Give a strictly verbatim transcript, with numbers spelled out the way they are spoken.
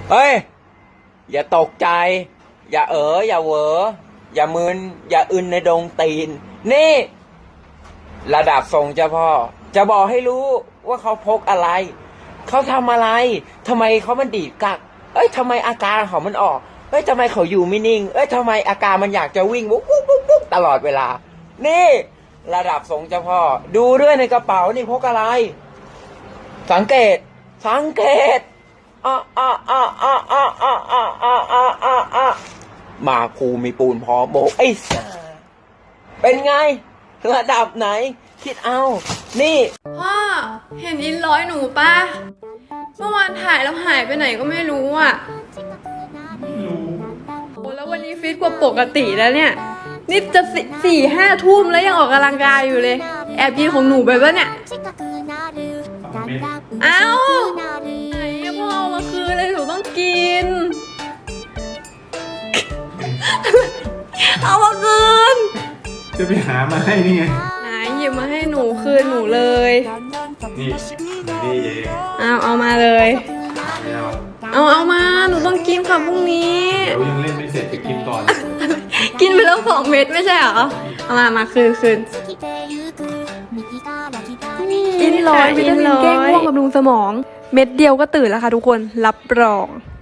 เฮ้ยอย่าตกใจอย่าเอ๋ออย่าเหวออย่ามึนอย่าอึนในดงตีนนี่ระดับทรงเจ้าพ่อจะบอกให้รู้ว่าเขาพกอะไรเขาทำอะไรทำไมเขามันดีดกักเอ้ยทำไมอาการเขามันออกเอ้ยทำไมเขาอยู่ไม่นิ่งเอ้ยทำไมอาการมันอยากจะวิ่งวุ๊บวุ๊บวุ๊บวุ๊บตลอดเวลานี่ระดับทรงเจ้าพ่อดูด้วยในกระเป๋านี่พกอะไรสังเกตสังเกตอ่ะอ่ะอ่ะอ่ะอ่ะอ่ะอ่ะอ่ะอ่ะอ่ะอ่ะมาครูมีปูนพอโบกไอ้สัสเป็นไงระดับไหนคิดเอานี่พ่อเห็นอินร้อยหนูปะเมื่อวานถ่ายแล้วหายไปไหนก็ไม่รู้อ่ะโอ้แล้ววันนี้ฟิตกว่าปกติแล้วเนี่ยนี่จะสี่ห้าทุ่มแล้วยังออกกำลังกายอยู่เลยแอบกินของหนูไปปะเนี่ยเอ้าไหนพ่อเอามาคืนเลยหนูต้องกินเอามาคืนจะไปหามาให้นี่ไงไหนหยิบมาให้หนูคืนหนูเลยนี่นี่เองเอาเอามาเลยเอาเอามาหนูต้องกินค่ะพรุ่งนี้เดี๋ยวยังเล่นไม่เสร็จจะกินก่อนกินไปแล้วสองเม็ดไม่ใช่เหรอเอามามาคืนคืนอินร้อยวิตามินแก้ง่วงบำรุงสมองเม็ดเดียวก็ตื่นแล้วค่ะทุกคนรับรอง